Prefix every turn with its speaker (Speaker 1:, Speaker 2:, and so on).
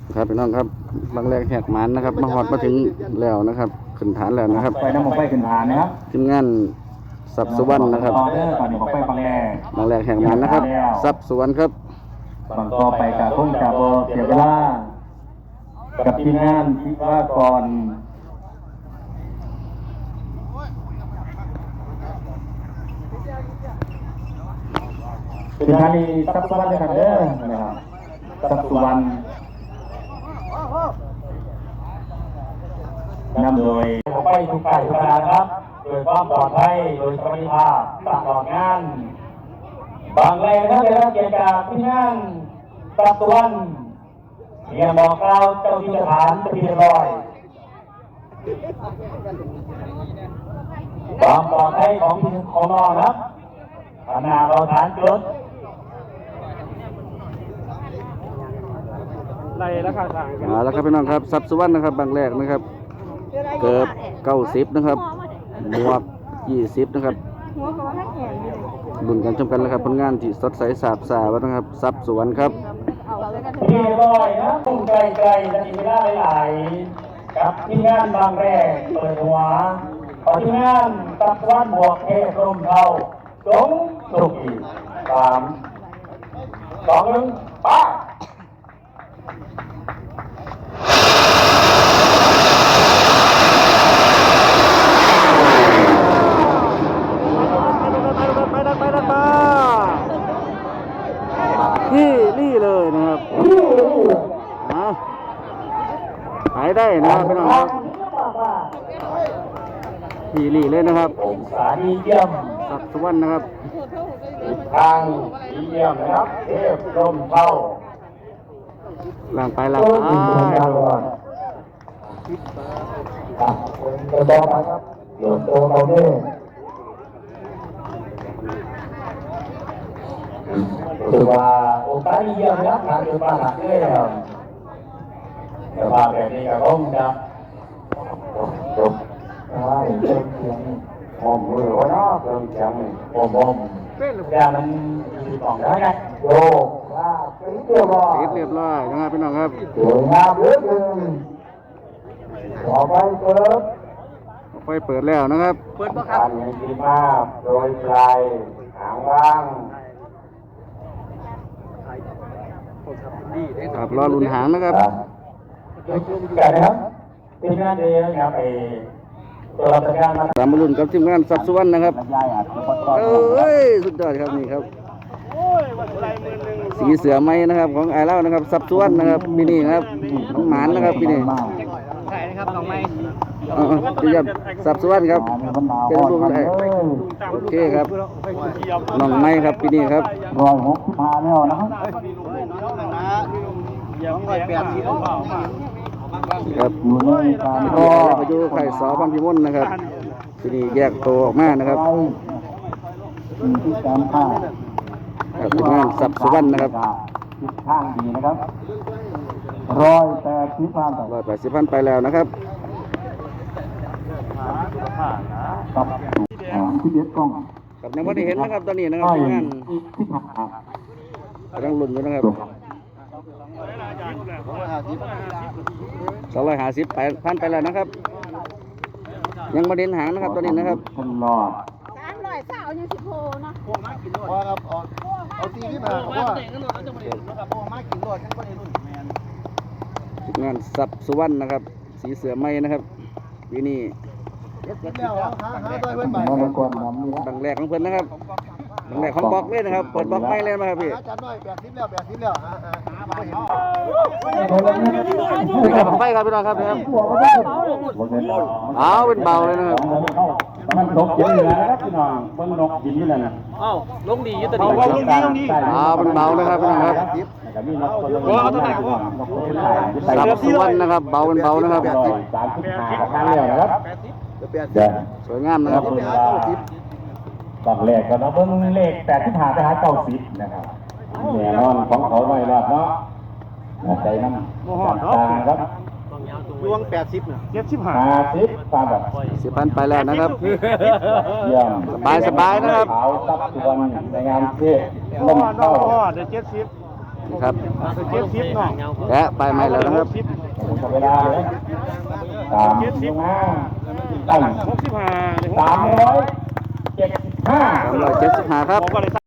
Speaker 1: ครับพี่น้องครับบางแรกแหกมันนะครับมาหอดมาถึงแล้วนะครับขึ้นฐานแล้วนะครับ
Speaker 2: ไปน้ำหมกไปขึ้นฐานนะครับ
Speaker 1: ทีมงานสับสุวรรณนะครับ
Speaker 2: ตอนนี้หมกไป
Speaker 1: บางแรกแหกมันนะครับสับสุวรรณครับ
Speaker 2: ตอนต่อไปกับพุ่งกับโบเสียเวลากับทีมงานที่ว่าก่อนเป็นทานีสับสุวรรณนะครับนะครับสับสุวรรณนำโดยไปทุกไก่ทุกการครับโดยความปลอดภัยโดยสวัสดิภาพตลอดงานบางแรงท่านได้รับเกียรติจากที่งานสับสุวรรณเรียนบอกกล่าวเจ้าที่สถานจะพิจารณาความปลอดภัยของน้องครับขณะเราฐานจุด
Speaker 1: ไล่แล้วค่ะแล้วครับพี่น้องครับสับสุวรรณนะครับบางแรกนะครับเกิบ90นะครับหมวก20นะครับลุ้นกันชมกันแล้วครับผลงานที่สดใสสาบสาวนะครับสับสุวรรณครับ
Speaker 2: ที่ร้อยนะตุ้งไกลๆจะมีเวลาหลายๆกับที่งานบางแรกเปิดหัวขอที่งานสับสุวรรณบวกเทพร่มเทาสงสุขี3 2 1ป้า
Speaker 1: นี่เลยนะครับหายได้นะครับพี่น้องครับนี่เลยนะครับ
Speaker 2: องศาดีเยี่ยม
Speaker 1: สับสุวรรณนะครับ
Speaker 2: ทางดีเยี่ยมนะครับเทพร่มเทา
Speaker 1: ล่างไปล่างไป
Speaker 2: จะบอกนะครับหลวงโตเราเนี่ยถือว่าโอกาสเยี่ยมนะครับทางคือบ้านหลักเนี่ยแต่ว่าแบบนี้ก็คงจะจบใช่เริ่มเสียงหอมมือวะเนาะเริ่มเสียงหอมแต่มันมีกล่องได้ไงโยกติดเรียบร้
Speaker 1: อยนะครับพี่น้องครับ
Speaker 2: สวยงามเหลือเกินต่อไปเปิด
Speaker 1: ไฟเปิดแล้วนะครับ
Speaker 2: เปิดครับการดีมากโดยปลายหางว่าง
Speaker 1: ครับรอลุ้นหางนะครับ
Speaker 2: กันนะครับทีมงานเดียวครับไอตัวรับงานมา
Speaker 1: ตามมาลุ้นกับทีมงานสับสุวรรณนะครับเอ้ยสุดยอดครับนี่ครับสีเสือไม้นะครับของไอเล่านะครับสับสุวรรณนะครับพี่นี่ครับน้องหมานนะครับพี่นี่
Speaker 3: ใช่นะครับน้องไม้
Speaker 1: พี่ยับสับสุวรรณครับเป็นพวกอะไรโอเคครับน้องไม้ครับพี่นี่ครับ
Speaker 2: 165แล้วนะครับ
Speaker 1: ครับก็ไปดูไข่สอพังพิมลนะครับที่นี่แยกตัวออกมานะครับครับงานสับสุวรรณนะครับ
Speaker 2: ข้างดีนะครับ
Speaker 1: 180,000ไปแล้วนะครับ
Speaker 2: กับที่เด็ดกล้อง
Speaker 1: กับในวันที่เห็นนะครับตอนนี้นะครับงานกำลังลุ้นอยู่นะครับ250,000ไปแล้วนะครับยังมาเด่นหางนะครับตอนนี้นะครับ
Speaker 4: 320ยัง10โลเนาะ
Speaker 3: พอครับเอาตีขึ้นมาเพราะว่ามากินรอดกันบ่ได้รุ่นแม่น
Speaker 1: งานสับสุวรรณนะครับสีเสือไม้นะครับที่นี่บางแรกของเพิ่นนะครับบางแรกของบล็อกเลยนะครับเปิดบล็อกไม้เลยนะครับพี่
Speaker 3: จัดหน่อย80แล้ว
Speaker 1: ไฟครับพี่น้องครับครับเอาเป็นเบาเลยนะครับ
Speaker 2: มันนกกินเหลือนะครับพี่น้องมันนกกินนี่แหละนะ
Speaker 3: ลงดีอยู่ตัวนี้ลงดี
Speaker 1: เป็นเบานะครับพี่น้องครับสับสุวรรณนะครับเบาเป็นเบานะครับ
Speaker 2: 35ครั้งแล้วนะครับ
Speaker 1: สวยงามนะครับ
Speaker 2: บางแรกก็นับเบิ้งเลข85ไปหา90นะครับแน่นอนของเขาไว้รอดเนาะใจน้ำตาครับ
Speaker 3: ดวง80น่ะ
Speaker 2: 50ตามแบบ
Speaker 1: 10,000ไปแล้วนะครับ
Speaker 2: เยี่ยม
Speaker 1: สบายนะครับ
Speaker 2: ขาวซับสุวรรณในงานเทศลมเข้า
Speaker 3: เดี๋ยว70
Speaker 1: นะครับ
Speaker 3: 70เนาะ
Speaker 1: และไปใหม่แล้วนะครับ
Speaker 2: หมดเวลาเลยตามลงมาตั้ง
Speaker 3: 65
Speaker 2: 375
Speaker 1: 375ครับ